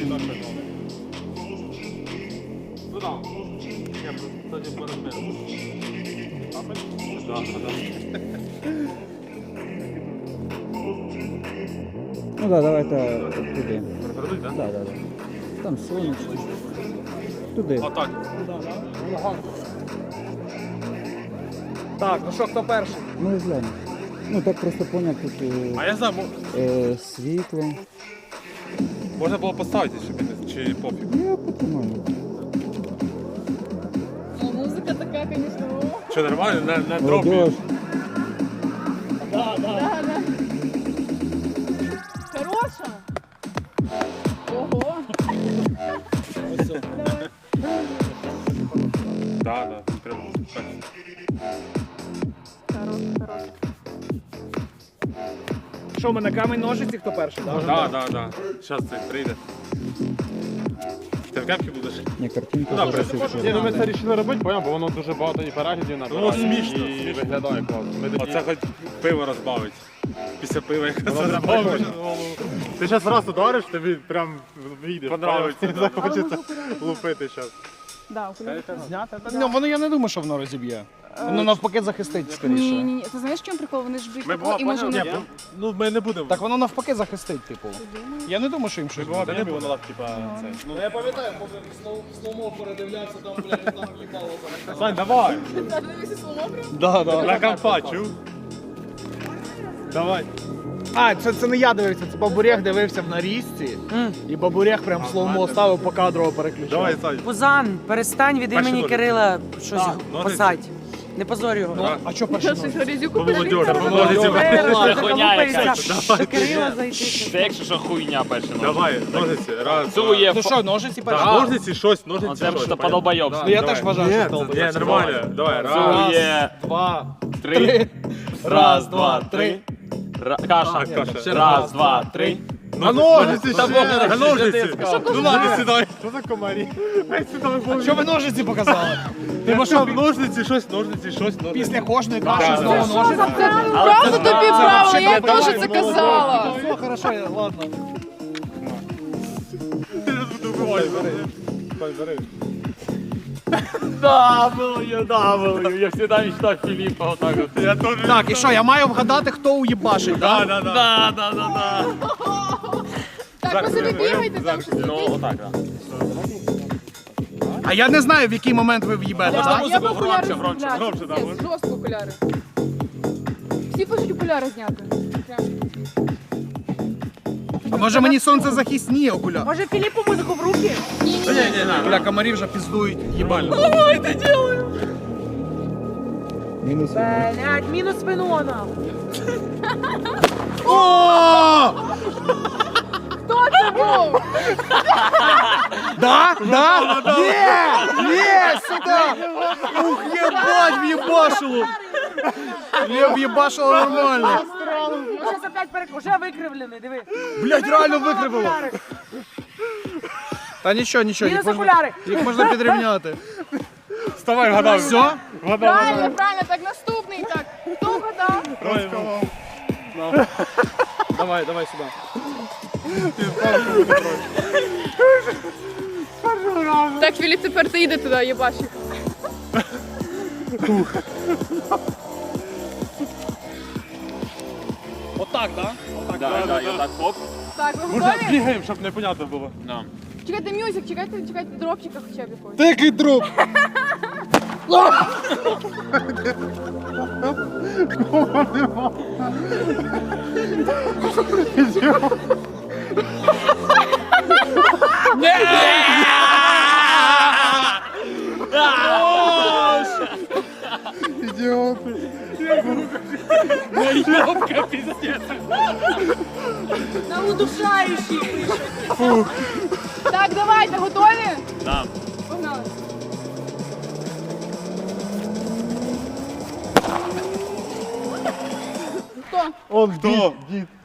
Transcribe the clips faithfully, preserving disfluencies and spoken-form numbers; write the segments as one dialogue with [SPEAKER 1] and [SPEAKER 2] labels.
[SPEAKER 1] Ну да. Я кстати, по размеру. Да, да.
[SPEAKER 2] Ну да, давайте туди.
[SPEAKER 1] Перевернуть, да?
[SPEAKER 2] Да, да, да. Там сонечко. Туди.
[SPEAKER 1] Отак.
[SPEAKER 3] Так, ну що, хто перший?
[SPEAKER 2] Ну і глянь. Ну так просто поняв тут е,
[SPEAKER 1] А я знаю, мо-
[SPEAKER 2] е, світло.
[SPEAKER 1] можна було поставити, щоб не- чи пофіг.
[SPEAKER 2] Я потримаю.
[SPEAKER 4] Ну, музыка такая, конечно. о.
[SPEAKER 1] Що, нормально? На, на дропі.
[SPEAKER 2] Молодіж.
[SPEAKER 4] Да, да. Хороша. Ого. Давай.
[SPEAKER 1] Да, да. Прям так.
[SPEAKER 4] Хорош, хорош.
[SPEAKER 3] Що, ми на камінь ножиці, хто перший? Да?
[SPEAKER 1] Да, да, да. Зараз це прийде. Ти в кепці будеш?
[SPEAKER 2] Ні, картинка
[SPEAKER 1] Да,
[SPEAKER 2] зараз
[SPEAKER 1] прям.
[SPEAKER 2] ще.
[SPEAKER 5] Ні, ну ми це вирішили робити, поняв, бо воно дуже багато і переглядів набирає.
[SPEAKER 1] Ну, смішно,
[SPEAKER 5] і
[SPEAKER 1] смішно.
[SPEAKER 5] виглядає класно. Ми такі-
[SPEAKER 1] Оце хоч пиво розбавить. Після пива якраз
[SPEAKER 5] Воно прям
[SPEAKER 1] розбавить.
[SPEAKER 5] прикольно. Ти зараз раз удариш, тобі прям вийде.
[SPEAKER 1] Понравиться,
[SPEAKER 5] Не захочеться лупити зараз.
[SPEAKER 4] Да, окуляри.
[SPEAKER 3] Зняти? Ну, воно я не думаю, що воно розіб'є. Воно навпаки захистить скоріше.
[SPEAKER 4] Ні, ні, ні. Ти знаєш, в чому прикол? Вони ж б'ють
[SPEAKER 1] Ми
[SPEAKER 4] тако
[SPEAKER 1] була
[SPEAKER 4] і може
[SPEAKER 1] поняли?
[SPEAKER 4] воно...
[SPEAKER 1] Ні, ну ми не будемо.
[SPEAKER 3] Так воно навпаки захистить, типу. Я не думаю, що їм щось буде.
[SPEAKER 1] не було, типа, це.
[SPEAKER 3] Ну, я пам'ятаю, поки слоумо передивлявся, там, блядь, там їбало.
[SPEAKER 1] Сань, давай.
[SPEAKER 4] Дивися, слово прям.
[SPEAKER 3] Да, да.
[SPEAKER 1] На компа, чув? Давай.
[SPEAKER 3] А, це, це не я дивився, це Бабурех дивився в нарізці. І Бабурех прям слоумо ставив, по кадрово переключав.
[SPEAKER 1] Давай, Сань.
[SPEAKER 6] Пузан, перестань від
[SPEAKER 1] Перший
[SPEAKER 6] імені
[SPEAKER 1] нолик.
[SPEAKER 6] Кирила щось
[SPEAKER 1] нолик.
[SPEAKER 6] писати. Не позорь його.
[SPEAKER 3] Ну, а що перший
[SPEAKER 4] Щось
[SPEAKER 3] номер?
[SPEAKER 4] грязюку
[SPEAKER 1] Молодіж,
[SPEAKER 4] переліться.
[SPEAKER 1] поможете.
[SPEAKER 6] Це
[SPEAKER 7] хуйня якась.
[SPEAKER 6] До Кирила зайти.
[SPEAKER 7] Це якщо що хуйня перше.
[SPEAKER 1] Давай, ножиці. Раз, два.
[SPEAKER 7] Цує.
[SPEAKER 3] Ну що, ножиці перший?
[SPEAKER 1] Так, ножниці, щось, ножниці,
[SPEAKER 7] Це
[SPEAKER 1] щось.
[SPEAKER 7] що подолбойобство.
[SPEAKER 3] Ну я
[SPEAKER 1] Давай.
[SPEAKER 3] теж вважаю,
[SPEAKER 1] Ні,
[SPEAKER 3] що
[SPEAKER 1] це-
[SPEAKER 3] толпа.
[SPEAKER 1] Ні, нормально. Давай, раз.
[SPEAKER 7] Цує.
[SPEAKER 3] Два,
[SPEAKER 7] Три. Раз, два,
[SPEAKER 3] три.
[SPEAKER 7] три. Ра- Каша.
[SPEAKER 1] Каша.
[SPEAKER 7] Раз, два, три.
[SPEAKER 1] А ножниці, ще. А ножниці.
[SPEAKER 3] Ну ладно,
[SPEAKER 1] сідай.
[SPEAKER 5] Що за комарі?
[SPEAKER 3] що ви ножиці показали?
[SPEAKER 1] Ти що, ножниці, щось, ножниці, щось, ножниці.
[SPEAKER 3] Після кожної
[SPEAKER 1] Да,
[SPEAKER 3] каші
[SPEAKER 1] да.
[SPEAKER 3] знову ножиці?
[SPEAKER 4] Правда тобі правила,
[SPEAKER 3] вообще
[SPEAKER 4] я
[SPEAKER 3] давай,
[SPEAKER 4] теж це казала.
[SPEAKER 3] Все, хорошо, я- ладно.
[SPEAKER 7] W, W. Я всегда мечтал Филиппа вот так вот.
[SPEAKER 1] Я теж.
[SPEAKER 3] Так, і що, я маю вгадати, хто уїбашить,
[SPEAKER 1] Да,
[SPEAKER 3] так?
[SPEAKER 1] да, да.
[SPEAKER 7] Да, да, да, да.
[SPEAKER 4] Так, ви собі бігайте там щось.
[SPEAKER 7] Ну, вот так, да.
[SPEAKER 3] А я не знаю, в який момент ви в'їбете,
[SPEAKER 4] Я
[SPEAKER 3] так?
[SPEAKER 4] б
[SPEAKER 7] музику
[SPEAKER 4] окуляри
[SPEAKER 7] громче, громче,
[SPEAKER 4] зняти.
[SPEAKER 1] громче, да,
[SPEAKER 4] Ні,
[SPEAKER 1] можна?
[SPEAKER 4] жорстко окуляри. Всі хочуть окуляри зняти. Прям.
[SPEAKER 3] А може мені сонцезахисні окуляри?
[SPEAKER 6] Може Філіппу музику в руки?
[SPEAKER 4] Ні, ні, ні.
[SPEAKER 3] Бля, комарі вже піздують, їбально.
[SPEAKER 2] Мінус.
[SPEAKER 6] Блять, мінус Венона.
[SPEAKER 3] О!
[SPEAKER 4] Хто це був?
[SPEAKER 3] Да? Да? Є! Є! Сюди! Ух, єбать, в'єбашило! Я в'єбашило нормально.
[SPEAKER 6] Зараз опять перек... Уже викривлений, диви.
[SPEAKER 3] Блять, реально викривило. Та нічого, нічого, їх
[SPEAKER 6] Мінус
[SPEAKER 3] можна,
[SPEAKER 6] окуляри.
[SPEAKER 3] їх можна підрівняти.
[SPEAKER 1] Вставай, гадав.
[SPEAKER 3] Все?
[SPEAKER 4] Правильно, правильно, так наступний. Так, хто вгадав?
[SPEAKER 3] Давай, давай сюди.
[SPEAKER 4] Так, Філіп, тепер ти йди туди, їбаш їх.
[SPEAKER 3] Отак, да?
[SPEAKER 7] Да, да, я так хоп.
[SPEAKER 4] Так, ви
[SPEAKER 1] Можна
[SPEAKER 4] готові?
[SPEAKER 1] бігаємо, щоб непонятно було.
[SPEAKER 7] Да.
[SPEAKER 4] Чекайте мюзик, чекайте, чекайте дропчика хоча б якогось.
[SPEAKER 3] Який труп?
[SPEAKER 7] Наебка, пиздец.
[SPEAKER 6] На удушаючий.
[SPEAKER 4] Так, давайте, готові?
[SPEAKER 7] Да.
[SPEAKER 4] Погнали. Хто?
[SPEAKER 5] Он хто?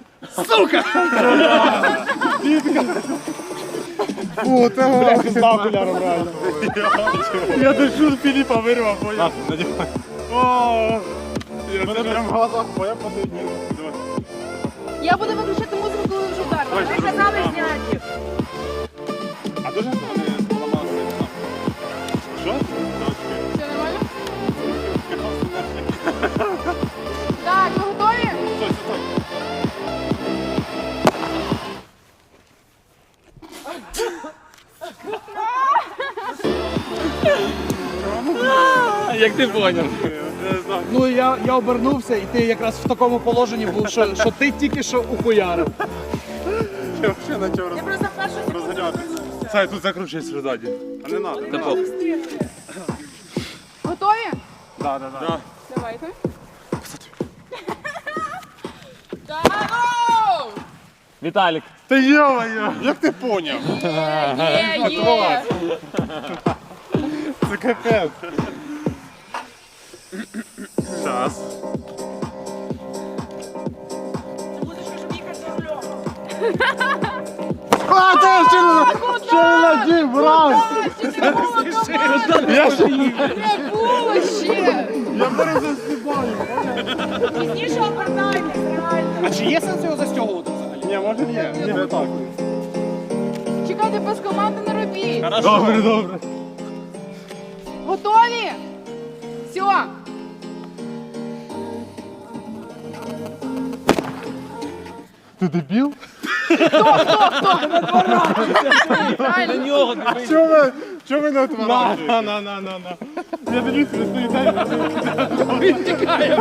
[SPEAKER 5] Фу, це гора. Пізда окуляром реально.
[SPEAKER 1] Я душу Філіпа вирвав, поняв. О,
[SPEAKER 5] Мене прям в глазах поя подивні.
[SPEAKER 4] Я буду виключати музику, коли вже вдарила.
[SPEAKER 6] Ми казали зняті.
[SPEAKER 7] Як ти поняв?
[SPEAKER 3] Ну я, я обернувся, і ти якраз в такому положенні був, що, що ти тільки що ухуярив.
[SPEAKER 5] Я взагалі почав
[SPEAKER 6] Я просто першу секунду
[SPEAKER 5] розганятися.
[SPEAKER 1] Сай, тут закручуйся ззаді.
[SPEAKER 5] А не надо.
[SPEAKER 7] Та похуй.
[SPEAKER 4] Готові?
[SPEAKER 5] Да, да, да.
[SPEAKER 4] Давайте. Давай!
[SPEAKER 7] Віталік.
[SPEAKER 5] Та йо-моє, як ти поняв?
[SPEAKER 4] Є, є!
[SPEAKER 5] Це капець. Зараз.
[SPEAKER 6] Це музичка, щоб їхати за рулем.
[SPEAKER 5] А, ти ще не ще не надів, брат! Я ще
[SPEAKER 4] Не було ще!
[SPEAKER 5] я перезасипаю.
[SPEAKER 6] Пізніше обертайтесь, реально.
[SPEAKER 3] А чи є сенс його застягувати взагалі?
[SPEAKER 5] Ні, може ні, ні, не так.
[SPEAKER 4] Чекайте, без команди не робіть!
[SPEAKER 5] Добре, добре.
[SPEAKER 4] Готові? Все!
[SPEAKER 5] Ти дебіл?
[SPEAKER 7] На нього дивись.
[SPEAKER 5] Чого ви, чого ви не отворачуєте? На, на, на, на, на. Я дивлюсь, ви стоїте.
[SPEAKER 7] Він тікає.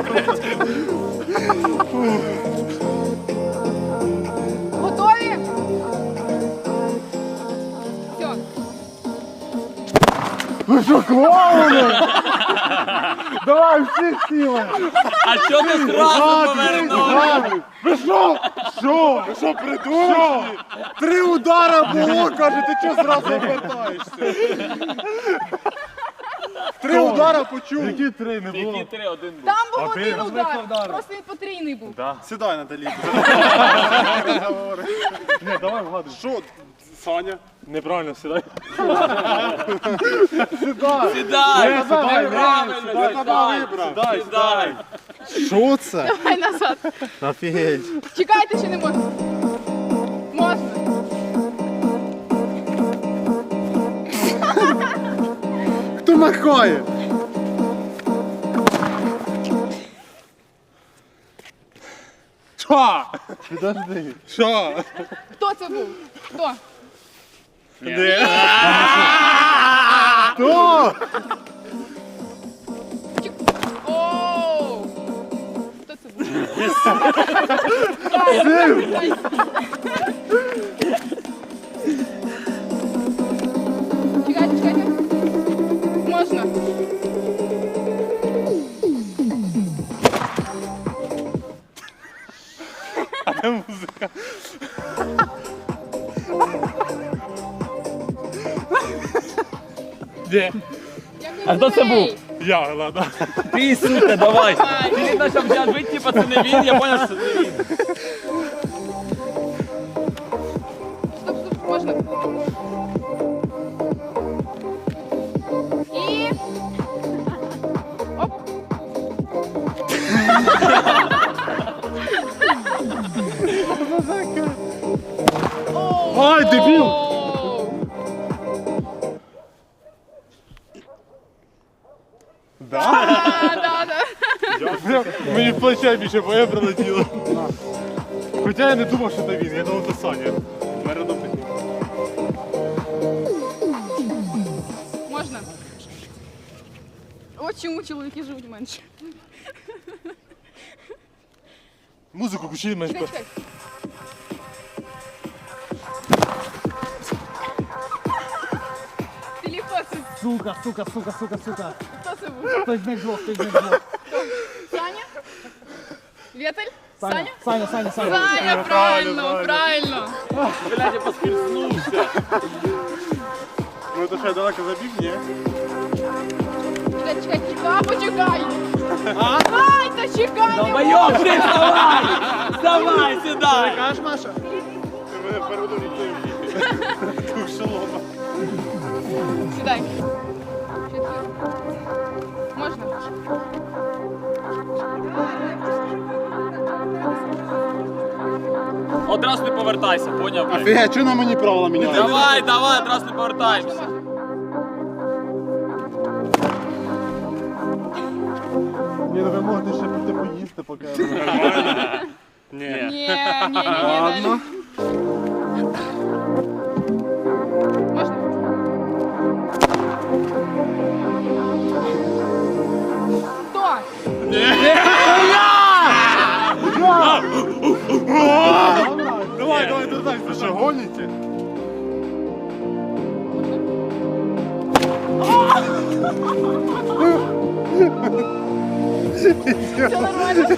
[SPEAKER 4] Готові? Все.
[SPEAKER 5] Ви що, клоуни? Давай, всі сіли.
[SPEAKER 7] А що ти зразу повернув?
[SPEAKER 5] Ви що? Що? Ви що, придурок? Три удара було, каже, ти чого зразу обертаєшся? Три удара почув. Які три не
[SPEAKER 7] Які три, один був.
[SPEAKER 4] Там був
[SPEAKER 5] ти
[SPEAKER 4] один
[SPEAKER 5] розбив
[SPEAKER 4] удар,
[SPEAKER 5] удар.
[SPEAKER 4] просто він потрійний був.
[SPEAKER 5] Сідай, Наталі. Ні, давай вгадуй. Що? Саня? Неправильно, сідай. Сідай.
[SPEAKER 7] Сідай,
[SPEAKER 5] сідай,
[SPEAKER 7] правильно,
[SPEAKER 5] сідай,
[SPEAKER 7] сідай,
[SPEAKER 5] сідай,
[SPEAKER 7] сідай.
[SPEAKER 5] Що це?
[SPEAKER 4] Давай назад.
[SPEAKER 5] Офігеть.
[SPEAKER 4] Чекайте, чи не можна? Можна.
[SPEAKER 5] Хто махає? Що? Підожди. Що?
[SPEAKER 4] Хто це був? Хто?
[SPEAKER 5] Хто?
[SPEAKER 4] Чек- Оу! Хто це був? Чекайте, чекайте. Можна.
[SPEAKER 5] Де?
[SPEAKER 7] А хто це був?
[SPEAKER 5] Я, ладно.
[SPEAKER 7] Ти, сука, давай. Ти видно, що взяв бить, типа, це не він, я поняв, що це не він.
[SPEAKER 4] Стоп, стоп, можна. І... Оп. Оу,
[SPEAKER 5] Ай, дебіл!
[SPEAKER 4] оу.
[SPEAKER 5] Да?
[SPEAKER 4] А, да, да.
[SPEAKER 5] Мені в плече більше боє прилетіло. Хоча я не думав, що це він, я думав, це Саня. Мерено підняв.
[SPEAKER 4] Можна. От чому чоловіки живуть менше.
[SPEAKER 5] Музику включи менш.
[SPEAKER 4] Чекай, чекай. Філіп, хто це?
[SPEAKER 3] Сука, сука, сука, сука, сука.
[SPEAKER 4] Хто це був?
[SPEAKER 3] Хтось з них двох, хтось з них двох.
[SPEAKER 4] Саня? Вєтель?
[SPEAKER 3] Саня,
[SPEAKER 4] Саня?
[SPEAKER 3] Саня, Саня, Саня.
[SPEAKER 4] Саня, правильно, правильно.
[SPEAKER 7] Блядь, я поскользнувся.
[SPEAKER 5] Ну, то що, я далеко забіг, ні?
[SPEAKER 4] Чекай, чекай, чекай, почекай. Ай, та чекай. не
[SPEAKER 7] Долбойоб, ти вставай! Вставай, сідай!
[SPEAKER 3] Кажеш, Маша?
[SPEAKER 5] Ти мене передурив. Тух шалома.
[SPEAKER 4] Сідай. Чотири. Можна?
[SPEAKER 7] Одразу не повертайся, поняв? блядь?
[SPEAKER 5] Офігеть, чого на мені правила міняють?
[SPEAKER 7] Давай, давай, одразу не повертаємося.
[SPEAKER 5] Ні, ну ви можете ще піти поїсти, поки... Ні.
[SPEAKER 4] Ні, ні, ні, ні, далі. Можна? Все нормально?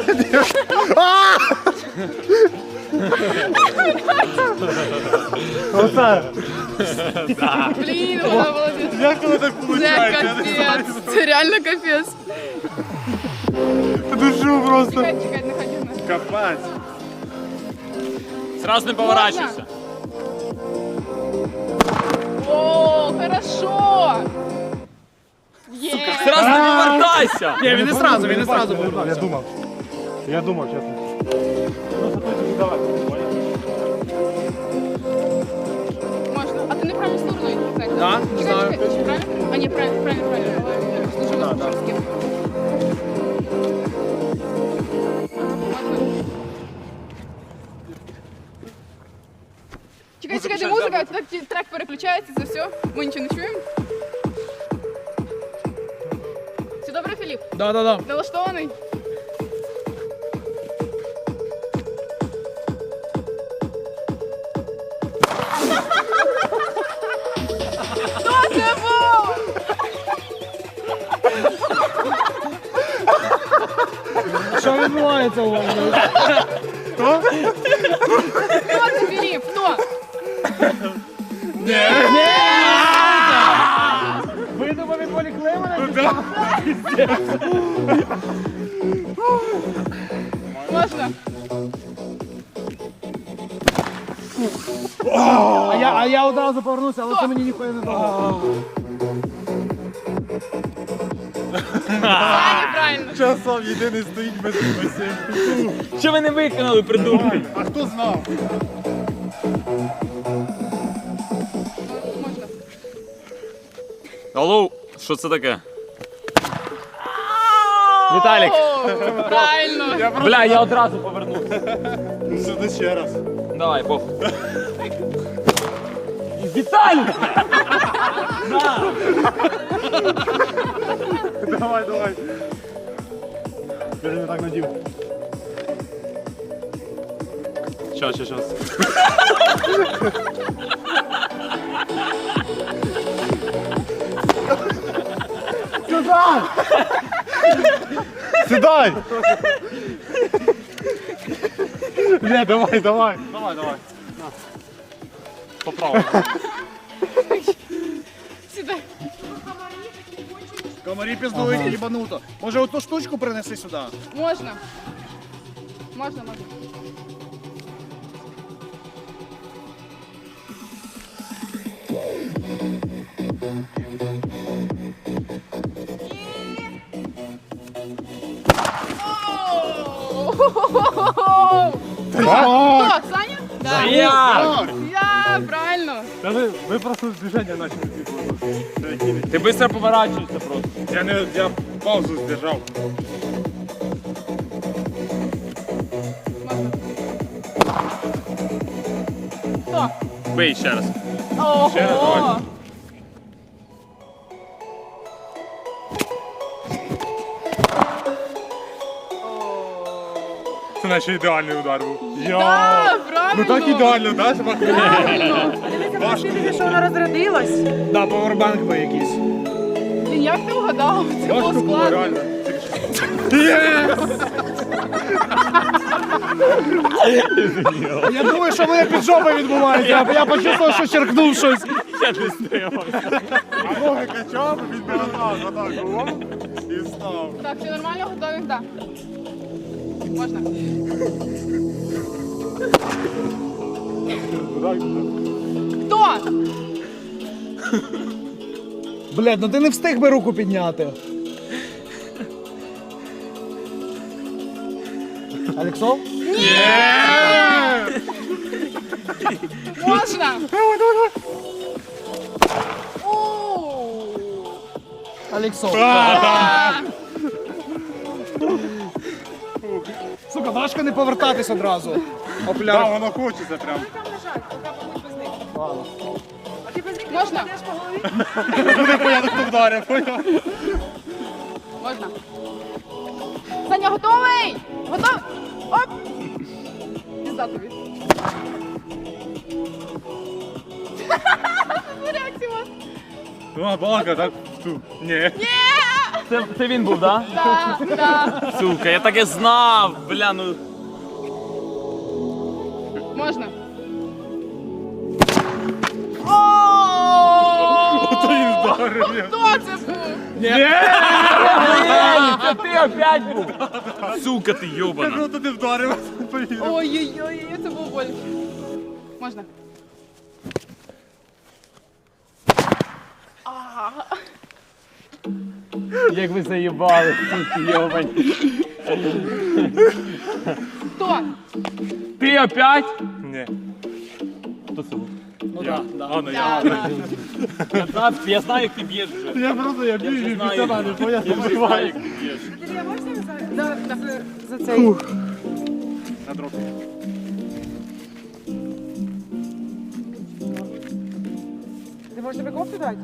[SPEAKER 5] Оце.
[SPEAKER 4] Блін, вона молодець.
[SPEAKER 5] Як воно так
[SPEAKER 4] Це
[SPEAKER 5] виходить?
[SPEAKER 4] капець. Це реально капець.
[SPEAKER 5] Душу просто.
[SPEAKER 4] Чекай, чекай, не ходімо.
[SPEAKER 5] Капець.
[SPEAKER 7] Сразу не поворачуйся.
[SPEAKER 4] О, хорошо. Є.
[SPEAKER 7] Сразу не повертайся.
[SPEAKER 3] Ні, він не сразу, він не сразу
[SPEAKER 5] Я
[SPEAKER 3] повернувся.
[SPEAKER 5] думав. Я думав, чесно. Просто тут вже давай.
[SPEAKER 4] Можна. А ти не правильно сторону йдеш?
[SPEAKER 3] Да,
[SPEAKER 4] Чекай,
[SPEAKER 3] знаю.
[SPEAKER 4] чекай, чи правильно? А, ні, правильно, правильно, правильно. Служила
[SPEAKER 3] Да, да.
[SPEAKER 4] Сушевським. Чекай, чекай, де музика, так ті- трек переключається, це все. Ми нічого не чуємо. Все добре, Філіп?
[SPEAKER 3] Да, да, да.
[SPEAKER 4] Налаштований? Хто це був?
[SPEAKER 3] Що відбувається у вас?
[SPEAKER 4] Хто це, Філіп? Хто?
[SPEAKER 3] Видумав від Полі Клеймана?
[SPEAKER 4] Можна?
[SPEAKER 3] А я, а я одразу повернувся, але це мені ніхуя не дало.
[SPEAKER 4] Саня, правильно.
[SPEAKER 5] Часом єдиний стоїть без спасіння.
[SPEAKER 7] Що ви не виконали, придурки?
[SPEAKER 5] А хто знав?
[SPEAKER 4] Можна.
[SPEAKER 7] Алло, що це таке? Віталік.
[SPEAKER 4] О, правильно.
[SPEAKER 7] Бля, я одразу повернувся.
[SPEAKER 5] Сюди ще раз.
[SPEAKER 7] Давай, бог. Віталік!
[SPEAKER 5] Давай, давай. Я не так надів. Щас, щас, щас. Сюда! Сідай! Не, давай, давай. Давай, давай. Поправ.
[SPEAKER 4] Сюди.
[SPEAKER 3] Комарі піздують їбануто. Може оту штучку принеси сюди?
[SPEAKER 4] Можна. Можна, можна. Оу! Хто? Саня? Да.
[SPEAKER 7] Я!
[SPEAKER 4] Я, правильно.
[SPEAKER 5] Та ви, ви просто движення почали.
[SPEAKER 7] Ти швидко поворачуєшся просто.
[SPEAKER 5] Я не, я паузу здержав.
[SPEAKER 4] Хто?
[SPEAKER 7] Бий ще раз.
[SPEAKER 4] Ого!
[SPEAKER 5] Ще раз, давай. Це наче ідеальний удар був.
[SPEAKER 4] Да, правильно.
[SPEAKER 5] Ну так ідеально, так?
[SPEAKER 4] Правильно.
[SPEAKER 6] Дивися, ти що вона розрядилась.
[SPEAKER 3] Да, павербанк би якийсь.
[SPEAKER 4] Блін, як ти вгадав? Це було
[SPEAKER 5] Важко було,
[SPEAKER 4] складно.
[SPEAKER 5] реально. Єс!
[SPEAKER 3] Я думаю, що в мене під жопою відбувається. Я, я почувствував, що черкнув щось.
[SPEAKER 7] Я не стримався.
[SPEAKER 5] А ноги качав, він не отак, отак, о, і встав.
[SPEAKER 4] Так, все нормально, готові? Так. Можна. Хто?
[SPEAKER 3] Блядь, ну ти не встиг би руку підняти. Алексов?
[SPEAKER 4] Можна. Оу.
[SPEAKER 3] Алексов.
[SPEAKER 4] А,
[SPEAKER 3] Сука, важко не повертатись одразу.
[SPEAKER 5] Так,
[SPEAKER 3] Опля.
[SPEAKER 5] воно хочеться прям.
[SPEAKER 6] Там лежать, поки побудь без них. А ти без них
[SPEAKER 4] Можна?
[SPEAKER 6] йдеш по голові?
[SPEAKER 5] Буде понятно, хто вдарив, поняв?
[SPEAKER 4] Можна. Саня, готовий? Готовий? Оп! Пізда тобі. Реакція у вас.
[SPEAKER 1] Ну, а балака, так? Ту. Ні.
[SPEAKER 7] Це, це він був, так?
[SPEAKER 4] Да, да.
[SPEAKER 7] Сука, я так і знав, бля, ну.
[SPEAKER 4] Можна.
[SPEAKER 1] Ото він вдарив.
[SPEAKER 4] Хто це був?
[SPEAKER 7] Це ти опять був. Сука, ти йобана.
[SPEAKER 1] Круто ти вдарив.
[SPEAKER 4] Ой-ой-ой, це було боляче. Можна.
[SPEAKER 7] Як ви заїбали, суки, йобані.
[SPEAKER 4] Хто?
[SPEAKER 7] Ти опять?
[SPEAKER 1] Ні.
[SPEAKER 7] Хто це був?
[SPEAKER 3] Ну так, да,
[SPEAKER 1] А, ну я.
[SPEAKER 4] Да, да.
[SPEAKER 7] Я, я знаю, як ти б'єш вже.
[SPEAKER 1] Я просто, я б'ю і
[SPEAKER 7] знаю.
[SPEAKER 1] після мене, бо я
[SPEAKER 7] Я вже знаю, як ти б'єш.
[SPEAKER 4] Да, да. За цей.
[SPEAKER 1] На дроп.
[SPEAKER 6] Ти можеш тебе кофту дати?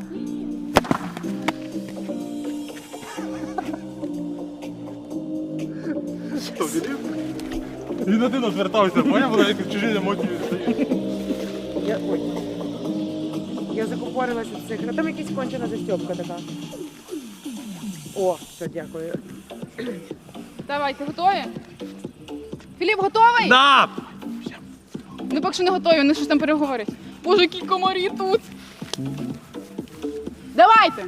[SPEAKER 1] Що, вірив? Він один розвертався, поняв, вона як чужі емоції стає.
[SPEAKER 6] Я, ой. Я закупорилася в цих. Ну там якась кончена застьопка така. О, все, дякую.
[SPEAKER 4] Давайте, готові? Філіп, готовий?
[SPEAKER 7] Да!
[SPEAKER 4] Ну, поки що не готові, вони щось там переговорять. Боже, які комарі тут. Давайте.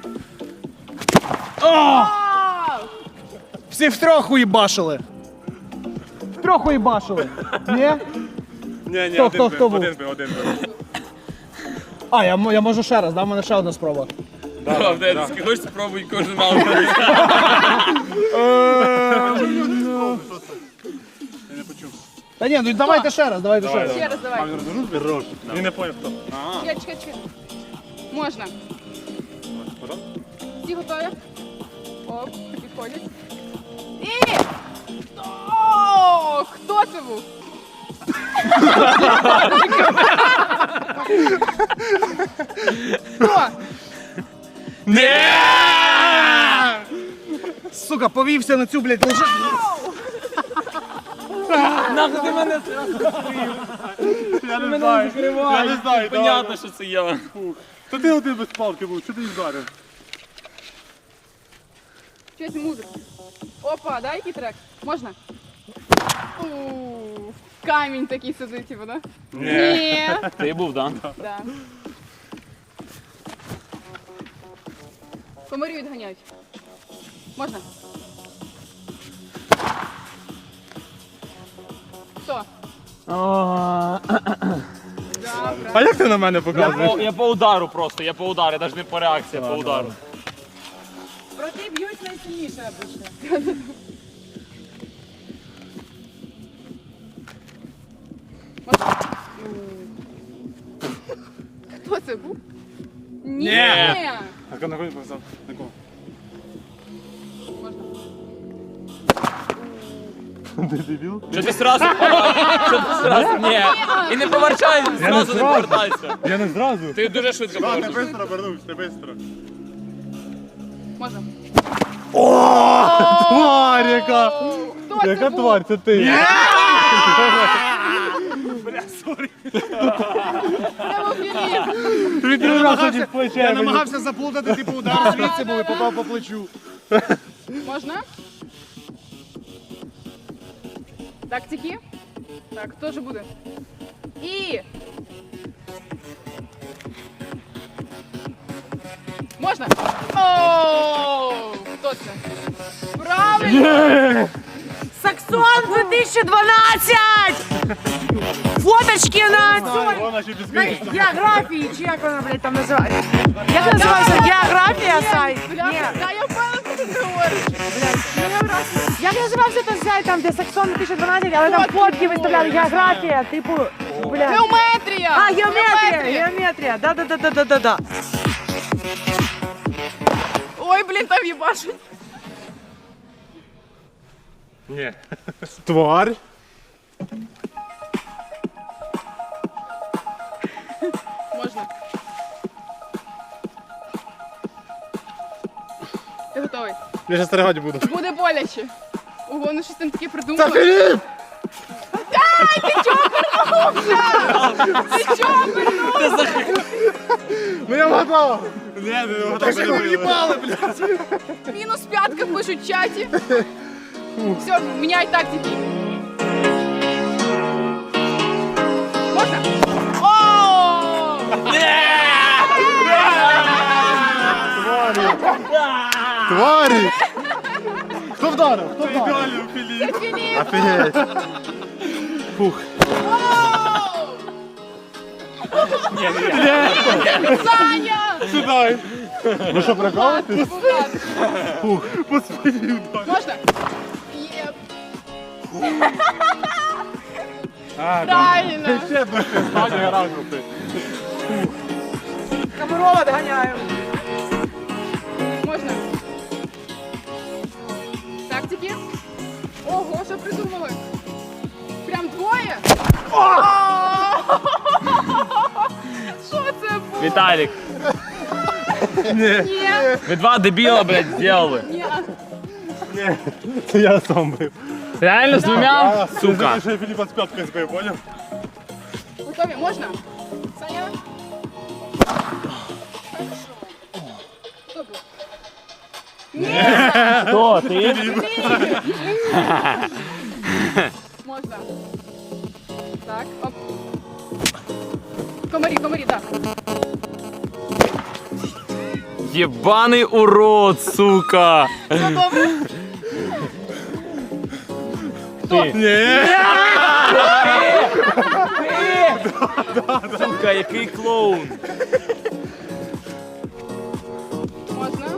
[SPEAKER 4] Вау!
[SPEAKER 3] Всі втрьох уїбашили. Втрьох уїбашили. Ні?
[SPEAKER 1] Ні, ні,
[SPEAKER 3] Хто,
[SPEAKER 1] один
[SPEAKER 3] хто,
[SPEAKER 1] бив,
[SPEAKER 3] хто був?
[SPEAKER 1] один бив, один бив.
[SPEAKER 3] А, я, м- я можу ще раз, да? В мене ще одна спроба.
[SPEAKER 7] Правда, ти хочеш спробуй кожен раунд.
[SPEAKER 1] Я не почув.
[SPEAKER 3] Та ні, ну давайте ще раз, давайте ще раз.
[SPEAKER 4] Ще раз давай.
[SPEAKER 1] Хорош. Він не поняв, хто.
[SPEAKER 4] Чекай, чекай, чекай. Можна.
[SPEAKER 1] Потім?
[SPEAKER 4] Всі готові? Оп, підходять. І! О, хто це був? Хто?
[SPEAKER 7] Не!
[SPEAKER 3] Сука, повівся на цю, блядь, лежи.
[SPEAKER 7] Нахуй ти мене
[SPEAKER 1] Я не знаю. Я не знаю,
[SPEAKER 7] Понятно, що це я.
[SPEAKER 1] То ти один без палки був, що ти їх вдарив?
[SPEAKER 4] Щось музику. Опа, дай який трек? Можна? У, камінь такий сидить, типу, да? Ні.
[SPEAKER 7] Ти був, так?
[SPEAKER 4] Да. Комарі відганяють. Можна? Хто? Да, правильно.
[SPEAKER 1] А як ти на мене
[SPEAKER 7] Я
[SPEAKER 1] показуєш?
[SPEAKER 7] по, я по удару просто, я по удару, я навіть не по реакції, а по удару.
[SPEAKER 6] Проти б'ють найсильніше обично.
[SPEAKER 4] Хто це був? Ні.
[SPEAKER 7] Ні.
[SPEAKER 1] А на кого показав? На кого?
[SPEAKER 4] Можна.
[SPEAKER 1] Ти дебіл?
[SPEAKER 7] Що ти сразу? Що ти сразу? Ні. І не повертайся, зразу не
[SPEAKER 1] зразу.
[SPEAKER 7] повертайся.
[SPEAKER 1] Я не зразу.
[SPEAKER 7] Ти дуже швидко
[SPEAKER 1] А, ти
[SPEAKER 7] повернувся.
[SPEAKER 1] швидко обернувся, ти швидко.
[SPEAKER 4] Можна.
[SPEAKER 1] Тварь яка!
[SPEAKER 4] Хто це
[SPEAKER 1] Яка
[SPEAKER 4] був?
[SPEAKER 1] тварь, це ти?
[SPEAKER 4] Це був Філіп.
[SPEAKER 1] Він три рази тоді в плече.
[SPEAKER 3] Я
[SPEAKER 1] мені.
[SPEAKER 3] намагався заплутати, типу, удар звідси був і попав по плечу.
[SPEAKER 4] Можна? Так, тільки. Так, хто ж буде? І. Можна? О, хто це? Правильно!
[SPEAKER 6] Саксон дві тисячі дванадцять! Фоточки на цьому.
[SPEAKER 1] Вона ще без
[SPEAKER 6] На
[SPEAKER 1] крісла.
[SPEAKER 6] географії, чи як вона, блядь, там називається? Як називається? Географія сайт? Ні.
[SPEAKER 4] Та я впевнена, що ти говориш.
[SPEAKER 6] Як називався той сайт, там, де Саксон дві тисячі дванадцять, але там
[SPEAKER 4] Фотки
[SPEAKER 6] фотки
[SPEAKER 4] були.
[SPEAKER 6] виставляли, географія, типу, блядь.
[SPEAKER 4] Геометрія!
[SPEAKER 6] А, геометрія, геометрія, да-да-да-да-да-да.
[SPEAKER 4] Ой, блін, там їбашить.
[SPEAKER 1] Ні. Тварь.
[SPEAKER 4] Можна. Ти готовий?
[SPEAKER 1] Я ще стерегати буду.
[SPEAKER 4] Буде боляче. Ого, вони щось там таке придумали.
[SPEAKER 1] Це Філіп!
[SPEAKER 4] Ти чого вернувся? Ти чого вернувся?
[SPEAKER 5] Ну я вгадав!
[SPEAKER 1] Ні, не
[SPEAKER 5] Так що ви в'їбали, блядь!
[SPEAKER 4] Мінус п'ятка пишуть в чаті. Все, міняй тактики. Можна? О!
[SPEAKER 5] Тварі! Хто вдарив? Хто вдарив?
[SPEAKER 1] Ідеально, Філіп.
[SPEAKER 4] Це Філіп!
[SPEAKER 5] Офігеть! Фух.
[SPEAKER 4] Саня!
[SPEAKER 1] Сюди.
[SPEAKER 5] Ну що, прикалуєтесь?
[SPEAKER 4] Фух.
[SPEAKER 5] По спині удар.
[SPEAKER 4] Можна? Єп. Правильно.
[SPEAKER 5] Ще душі, Саня гаражу ти.
[SPEAKER 6] Комарова доганяю.
[SPEAKER 4] Можна? Тактики? Ого, що придумали? Прям двоє? О! Що це було?
[SPEAKER 7] Віталік,
[SPEAKER 4] Ні.
[SPEAKER 7] ви два дебіла, блядь, зробили.
[SPEAKER 4] Ні.
[SPEAKER 5] Це я сам бив.
[SPEAKER 7] Реально з двома? Сука.
[SPEAKER 5] Ти ще Філіпа з п'яткою збив, поняв?
[SPEAKER 4] Готові? Можна? Саня? Хто був? Ні!
[SPEAKER 7] Хто, ти?
[SPEAKER 4] Можна. Так, оп. Комарі, комарі, так.
[SPEAKER 7] Єбаний урод, сука.
[SPEAKER 4] Все добре?
[SPEAKER 7] Сука, який клоун.
[SPEAKER 4] Можна.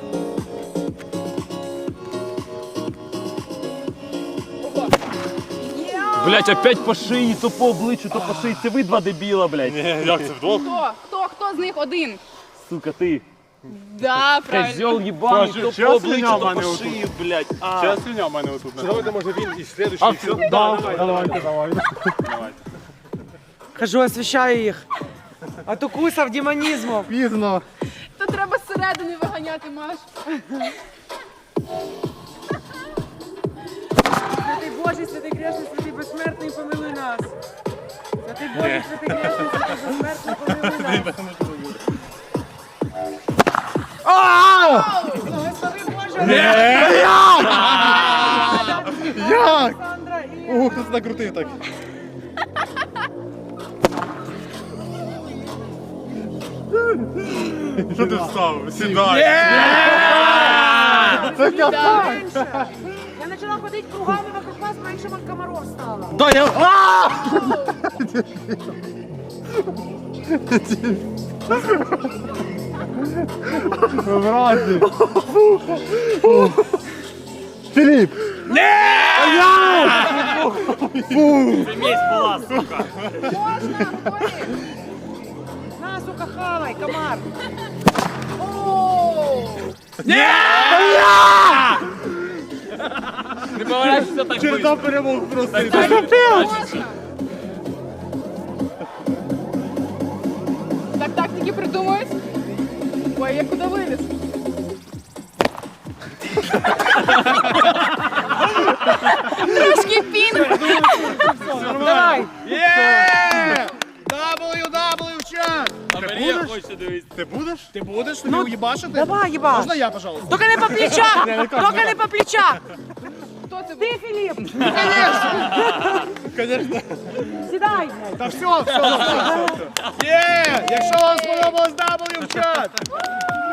[SPEAKER 4] Опа. Є!
[SPEAKER 7] Блядь, опять по шиї, то по обличчю, то по шиї. Це ви два дебіла, блядь.
[SPEAKER 5] Ні, як це вдвох?
[SPEAKER 4] Хто? Хто? Хто з них один?
[SPEAKER 7] Сука, ти.
[SPEAKER 4] Да, правильно.
[SPEAKER 7] Козьол єбаний,
[SPEAKER 5] Що,
[SPEAKER 7] то
[SPEAKER 5] що
[SPEAKER 7] по обличчю,
[SPEAKER 5] слиня в
[SPEAKER 7] то
[SPEAKER 5] мене
[SPEAKER 7] по
[SPEAKER 5] отут?
[SPEAKER 7] шиї, блядь. А.
[SPEAKER 5] Зараз слиня в мене отут. Давайте, може, він і слідуючий.
[SPEAKER 7] А, все, да, давай,
[SPEAKER 5] Давайте, давайте.
[SPEAKER 6] Кажу, освіщаю їх. А то кусав демонізмом.
[SPEAKER 5] Пізно.
[SPEAKER 4] То треба зсередини виганяти, Маш.
[SPEAKER 6] Святий Божий, святий грешний, святий безсмертний, помилуй нас. Святий Божий, святий грешний, святий безсмертний, помилуй нас. Благослови Боже.
[SPEAKER 5] Як?
[SPEAKER 6] Олександра і...
[SPEAKER 5] Ого, хтось накрутив так. Що ти встав? Сідай. Це капа.
[SPEAKER 6] Менше. Я почала ходити кругами вокруг вас, менше вам комаров стало.
[SPEAKER 5] Да, я... Вразі. Філіп!
[SPEAKER 7] Це місць була, сука.
[SPEAKER 4] Можна, Борі?
[SPEAKER 6] На, сука, хавай, комар.
[SPEAKER 4] О!
[SPEAKER 7] Не поворачивайся так
[SPEAKER 5] Череда
[SPEAKER 7] близько.
[SPEAKER 5] перемог просто.
[SPEAKER 4] Можна. Так тактики придумують. Ой, я куди виліз? Трошки пінг.
[SPEAKER 6] Давай.
[SPEAKER 3] дабл ю дабл ю чат!
[SPEAKER 7] А Марія хоче дивитися.
[SPEAKER 5] Ти будеш?
[SPEAKER 3] Ти будеш тобі уїбашити?
[SPEAKER 6] Давай, їбаш.
[SPEAKER 3] Можна я, пожалуйста?
[SPEAKER 6] Тільки не по плечах. Тільки не по плечах.
[SPEAKER 4] Хто це був?
[SPEAKER 6] Ти, Філіп.
[SPEAKER 5] Конечно.
[SPEAKER 6] Сідай, блядь.
[SPEAKER 3] Та все, все, все. Є! Якщо вам сподобалось дабл ю в чат!